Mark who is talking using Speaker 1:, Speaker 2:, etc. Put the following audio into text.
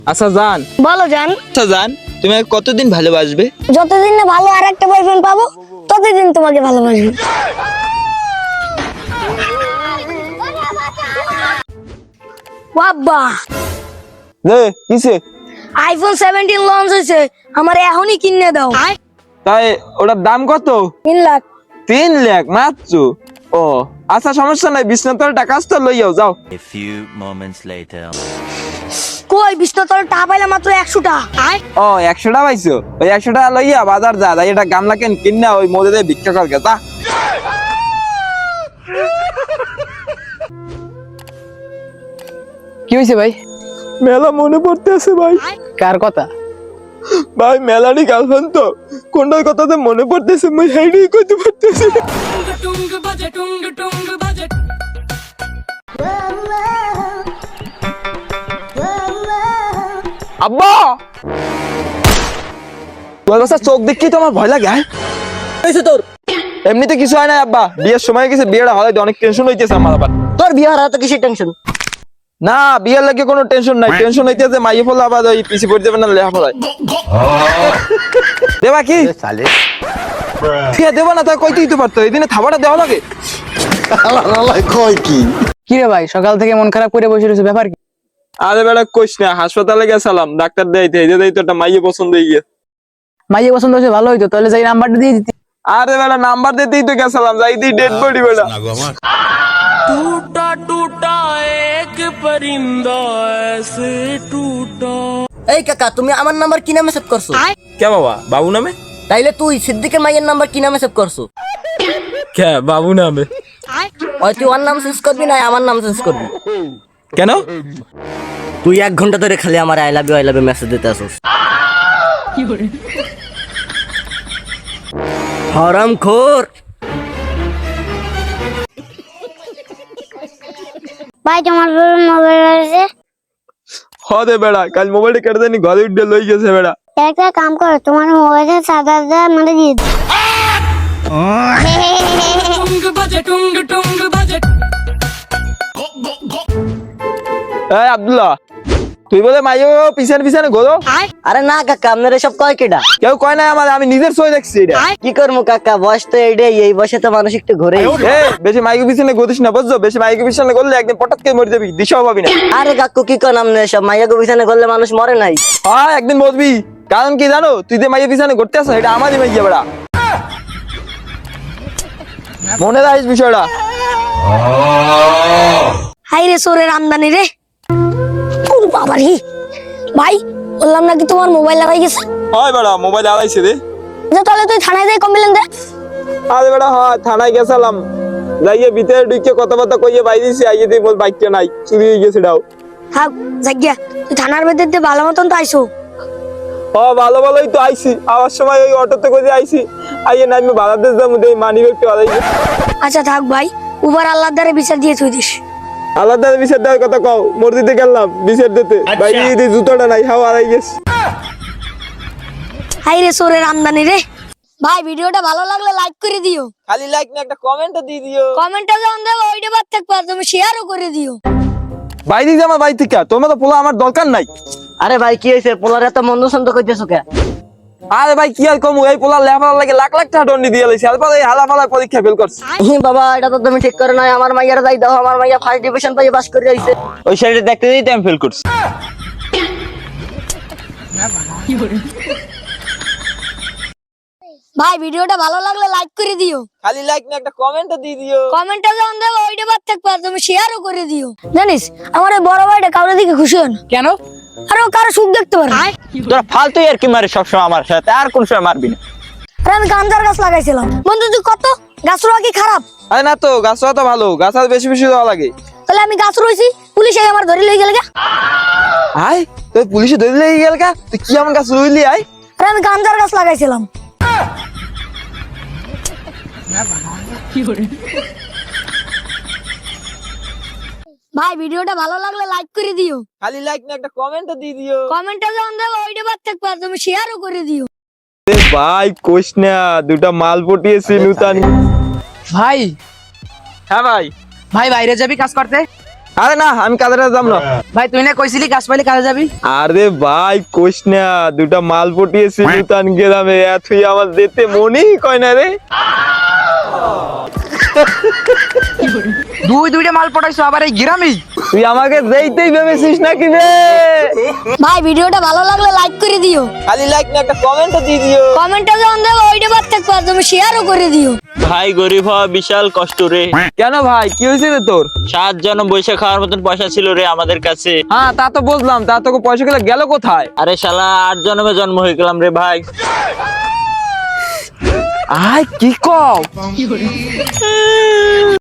Speaker 1: আচ্ছা জান,
Speaker 2: বলো জান।
Speaker 1: আচ্ছা জান, তুমি আমাকে কতদিন ভালোবাসবে?
Speaker 2: যতদিন না ভালো আর একটা বয়ফ্রেন্ড পাবো ততদিন তোমাকে ভালোবাসবো। বাবা,
Speaker 1: কিসে?
Speaker 2: আইফোন 17 লঞ্চ হয়েছে, আমার এখনই কিনে দাও।
Speaker 1: তাই ওটার দাম কত?
Speaker 2: 3 লাখ।
Speaker 1: 3 লাখ মাত্র? ও আচ্ছা, সমস্যা নাই, বিশ্বনাথের টাকা তো লইয়াও যাও।
Speaker 3: A few moments later.
Speaker 2: কই বিশ্বতল টা পাইলে মাত্র 100 টা।
Speaker 1: ও 100 টাকা পাইছো? ওই 100 টাকা লইয়া বাজার যা, তাই এটা গামলা কেন কিনা ওই মধ্যে দিয়ে ভিক্ষা কর গেছা।
Speaker 4: কি হয়েছে ভাই?
Speaker 1: মেলা মনে পড়তেছে ভাই।
Speaker 4: কার কথা?
Speaker 1: ভাই মেলারই গার্লফ্রেন্ড তো, কোনটার কথাতে মনে পড়তেছে মই হেডই কইতে পারতেছি না। আব্বা, তোর কাছে চোখ দেখি তো আমার ভয় লাগে।
Speaker 4: হয়েছে তোর?
Speaker 1: এমনিতে কিছু হয় না আব্বা, বিয়ের সময় গেছে, বিয়েটা হলে অনেক টেনশন হইতেছে আমার আবার।
Speaker 4: তোর বিয়ে হারা তো কিসের টেনশন?
Speaker 1: না বিয়ের লাগে কোনো টেনশন নাই, টেনশন হইতেছে মাইয়ে ফেলা আবার ওই পিছি পড়ে যাবে না লেহা ফেলায়। দেবা কি ঠিক দেবা না, তা কইতেই তো পারতো, এই দিনে থাবাটা দেওয়া লাগে।
Speaker 4: কি রে ভাই, সকাল থেকে মন খারাপ করে বসে রয়েছে, ব্যাপার কি?
Speaker 1: আরে বেড়া কইস না, হাসপাতালে গেছিলাম, ডাক্তার দেখাইতে, এই যে তো একটা মাইয়ে পছন্দ হয়ে গিয়ে।
Speaker 4: মাইয়ে পছন্দ হয়েছে, ভালো হইতো, তাহলে যাই নাম্বারটা দিয়ে দিতি।
Speaker 1: আরে বেড়া নাম্বার দিতেই তো গেছিলাম, যাইতেই ডেড বডি বেড়া।
Speaker 5: এই কাকা, তুমি আমার নাম্বার কি নামে সেভ করছো?
Speaker 1: কে বাবা? বাবু নামে?
Speaker 5: তাইলে তুই সিদ্দিকের মাইয়ের নাম্বার কি নামে সেভ করছো?
Speaker 1: কে বাবু নামে?
Speaker 5: ওই তুই ওর নাম চেঞ্জ করবি না আমার নাম চেঞ্জ করবি?
Speaker 1: কেন?
Speaker 5: তুই 1 ঘন্টা ধরে খালি আমার আই লাভ ইউ মেসেজ দিতে আসছিস। হারামখোর।
Speaker 2: ভাই তোমার মোবাইল আছে?
Speaker 1: হদে বেড়া, কাল মোবাইলটা কেটে দেনি, ঘরে উঠে লই গেছে বেড়া।
Speaker 2: একটা কাম করো, তোমার মোবাইলে 7,000 মানে দিয়ে দাও।
Speaker 1: এই আব্দুল্লাহ, তুই বলে মাইয়ে পিছনে পিছনে ঘোরো?
Speaker 5: আরে না কাকা, আপনার এসব কয় কেডা?
Speaker 1: কেউ কয় না আমার, আমি নিজের সই দেখছি এটা।
Speaker 5: কি করবো কাকা, বয়স তো এইটাই, এই বয়সে তো মানুষ একটু ঘুরে।
Speaker 1: বেশি মাইকে পিছনে গতিস না, বুঝছো? বেশি মাইকে পিছনে করলে একদিন পটাত কে মরে যাবি, দিশাও পাবি না।
Speaker 5: আরে কাকু কি কন আপনি এসব? মাইয়া পিছনে করলে মানুষ মরে নাই?
Speaker 1: হ্যাঁ একদিন মরবি, কারণ কি জানো? তুই যে মাইয়ে পিছনে ঘুরতে আসো, এটা আমারই মাইয়া বেড়া, মনে রাখিস বিষয়টা।
Speaker 2: হাই রে সোরের আমদানি রে। ওরে বাবা রে, ভাই বললাম নাকি তোমার মোবাইল লাগাই গেছে।
Speaker 1: হয় বেড়া, মোবাইল আড়াইছে রে।
Speaker 2: যে তাহলে তুই থানায় যাই কমপ্লেন দে।
Speaker 1: আরে বেড়া হয়, থানায় গেছিলাম, যাইয়ে ভিতরে ঢুকে কথাবার্তা কইয়ে বাইরেছি, আইয়ে দিয়ে বল বাইকটা নাই, চুরি হয়ে গেছে ডাও।
Speaker 2: হ্যাঁ জাগিয়া, তুই থানার ভেতর দিয়ে ভালো মতন তো আইসো।
Speaker 1: ভালো ভালোই তো আইছি, আবার সময় ওই অটোতে করে আইছি, আইয়ে না আমি বাংলাদেশ যাবো, দেই মানি ব্যাগটা আড়াই গেছে।
Speaker 2: আচ্ছা থাক ভাই, উবার আল্লাহর দ্বারে বিচার দিয়ে তুই দিস।
Speaker 1: আলাদা বিচার দেওয়ার কথা কও, মসজিদে গেলাম বিচার দিতে, বাইরে জুতোটা নাই, হাওয়া আড়াই গেছে।
Speaker 2: হাই রে সোরের আমদানি রে। ভাই ভিডিওটা ভালো লাগলে লাইক করে দিও,
Speaker 1: খালি লাইক না, একটা কমেন্টও দিয়ে দিও।
Speaker 2: কমেন্টে যখন দেবো ওইটা বাদ থাকবে, আর তুমি শেয়ারও করে দিও।
Speaker 1: বাইরে যা আমার বাড়ি থেকে, তোমার তো পোলা আমার দরকার নাই।
Speaker 5: আরে ভাই কি হয়েছে, পোলার এত মন্দ সন্দ করতেছো কে?
Speaker 1: আরে ভাই কি আর কমু, এই পোলা লেখাপড়ার লাগে লাখ লাখ টাকা দন্ডি দিয়ে লাইছে, এরপর এই হালাফালা পরীক্ষা ফেল করছে।
Speaker 5: বাবা এটা তো তুমি ঠিক করে নাই, আমার মাইয়ারা যাই দাও, আমার মাইয়া ফার্স্ট ডিভিশন পাই পাস করে আইছে।
Speaker 1: ওই সাইডে দেখতে দিতে আমি ফেল করছি।
Speaker 2: ভাই ভিডিওটা ভালো লাগলে লাইক করে দিও,
Speaker 1: খালি লাইক না, একটা কমেন্টও দিয়ে দিও।
Speaker 2: কমেন্টে যখন দেবো ওইটা বাদ থাকবে, আর তুমি শেয়ারও করে দিও। জানিস আমার এই বড় ভাইটা কাউরে দিকে খুশি হয় না,
Speaker 4: কেন?
Speaker 2: আর ও কারো সুখ দেখতে পারে না।
Speaker 1: তোরা ফালতুই আর কি মারে সবসময় আমার সাথে, আর কোন সময় মারবি না।
Speaker 2: আর আমি গাঞ্জার গাছ লাগাইছিলাম, বন্ধু তুই কত গাছ রোয়া কি খারাপ?
Speaker 1: আরে না তো, গাছ তো ভালো, গাছ আর বেশি বেশি দেওয়া লাগে।
Speaker 2: তাহলে আমি গাছ রয়েছি, পুলিশ এই আমার ধরে লই গেল গা।
Speaker 1: আয় তুই পুলিশে ধরে লেগে গেল কা, তুই কি আমার গাছ রইলি? আয়
Speaker 2: আর আমি গাঞ্জার গাছ লাগাইছিলাম। ভাই ভিডিওটা ভালো লাগলে লাইক করে দিও,
Speaker 1: খালি লাইক না, একটা কমেন্টও দিয়ে দিও।
Speaker 2: কমেন্টে যখন দেবো ওইটা বাদ থাকবে, আর তুমি শেয়ারও করে দিও।
Speaker 1: ভাই কোশ না, দুটা মাল পটিয়েছি নূতন।
Speaker 4: ভাই
Speaker 1: হ্যাঁ ভাই।
Speaker 4: ভাই বাইরে যাবি কাজ করতে?
Speaker 1: আরে না, আমি কাজে যাম না।
Speaker 4: ভাই তুই না কইছিলি কাজ পাইলে কাজে যাবি।
Speaker 1: আরে ভাই কোশ না, দুটা মাল পটিয়েছি নূতন গ্রামে, তুই আমার যেতে মনেই কয় না রে।
Speaker 4: দুইটা মাল পটাইছো আবার এই গ্রামে।
Speaker 1: তুই আমাকে যেতেই ভেবেছিস নাকি রে?
Speaker 2: ভাই ভিডিওটা ভালো লাগলে লাইক করে দিও,
Speaker 1: খালি লাইক না, একটা কমেন্টও দিয়ে দিও।
Speaker 2: কমেন্টে যখন দেবো ওইটা বাদ থাকবে, তুমি শেয়ারও করে দিও।
Speaker 6: ভাই গরিব হওয়া বিশাল কষ্ট রে।
Speaker 1: কেন ভাই, কি হয়েছে রে তোর?
Speaker 6: 7 জন বৈশা খাওয়ার মতন পয়সা ছিল রে আমাদের কাছে।
Speaker 1: হ্যাঁ তা তো বুঝলাম, তা তোকে পয়সা গুলো গেল কোথায়?
Speaker 6: আরে শালা 8 জন্মে জন্ম হয়ে গেলাম রে ভাই।
Speaker 1: আয় কি কও?